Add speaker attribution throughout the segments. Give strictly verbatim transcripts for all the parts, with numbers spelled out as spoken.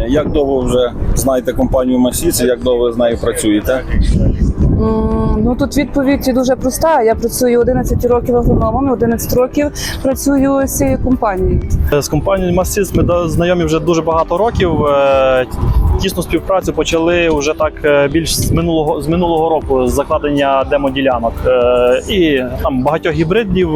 Speaker 1: Як довго вже знаєте компанію Масіці, як довго ви з нею працюєте?
Speaker 2: Ну, тут відповідь дуже проста. Я працюю одинадцять років агрономом, одинадцять років працюю з цією компанією.
Speaker 3: З компанією Масіц ми знайомі вже дуже багато років. Тісну співпрацю почали вже так більш з минулого, з минулого року, з закладення демоділянок. І там багатьох гібридів,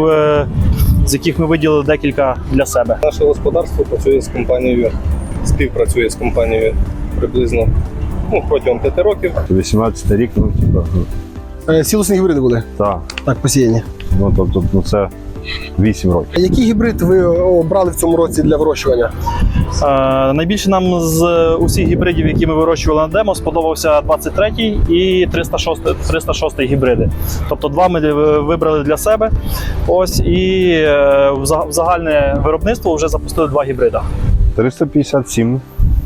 Speaker 3: з яких ми виділили декілька для себе.
Speaker 4: Наше господарство працює з компанією, співпрацює з компанією приблизно ну, протягом п'яти років.
Speaker 5: вісімнадцятий рік, ну, типа.
Speaker 6: Сілосні гібриди були?
Speaker 5: Так.
Speaker 6: Так, посіяні.
Speaker 5: Ну, тобто, ну, це вісім років.
Speaker 6: Який гібрид ви обрали в цьому році для вирощування?
Speaker 3: Е, найбільше нам з усіх гібридів, які ми вирощували на демо, сподобався двадцять третій і триста шостий гібриди. Тобто два ми вибрали для себе. Ось, і е, в загальне виробництво вже запустили два гібрида.
Speaker 5: триста п'ятдесят сім.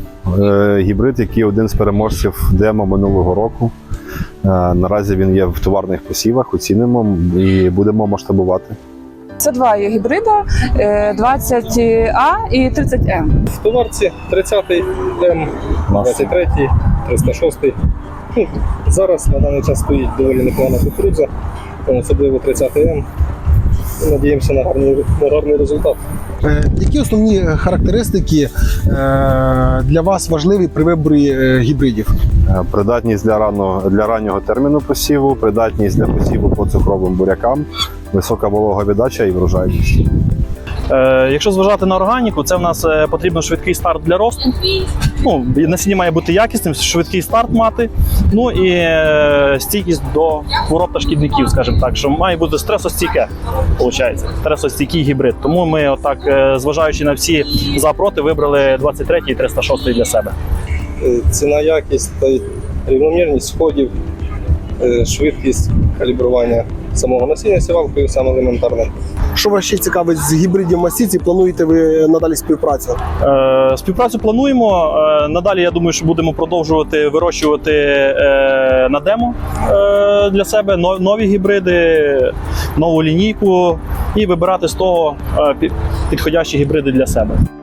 Speaker 5: Е, гібрид, який один з переможців демо минулого року. Е, наразі він є в товарних посівах, оцінимо і будемо масштабувати.
Speaker 2: Це два є гібрида, двадцять А і тридцять М.
Speaker 4: В товарці тридцятий М, двадцять третій, триста шостий. Ну, зараз на даний час стоїть доволі непогана кукурудза, особливо тридцятий М. Надіємося на гарний, на гарний результат.
Speaker 6: Які основні характеристики для вас важливі при виборі гібридів?
Speaker 5: Е, Придатність для, рано, для раннього терміну посіву, придатність для посіву по цукровим бурякам, висока вологовіддача і врожайність.
Speaker 3: Е, якщо зважати на органіку, це в нас е, потрібно швидкий старт для росту. Ну, насіння має бути якісним, швидкий старт мати. Ну і е, стійкість до хвороб та шкідників, скажімо так, що має бути стресостійке, виходить, стресостійкий гібрид. Тому ми, отак, е, зважаючи на всі за-проти, вибрали двадцять третій і триста шостий для себе.
Speaker 4: Ціна, якість та рівномірність сходів, швидкість калібрування самого насіння сівалкою саме елементарне.
Speaker 6: Що вас ще цікавить з гібридів Масіці? Плануєте ви надалі співпрацю?
Speaker 3: Е, співпрацю плануємо. Е, надалі, я думаю, що будемо продовжувати вирощувати е, на демо е, для себе нові гібриди, нову лінійку і вибирати з того е, підходящі гібриди для себе.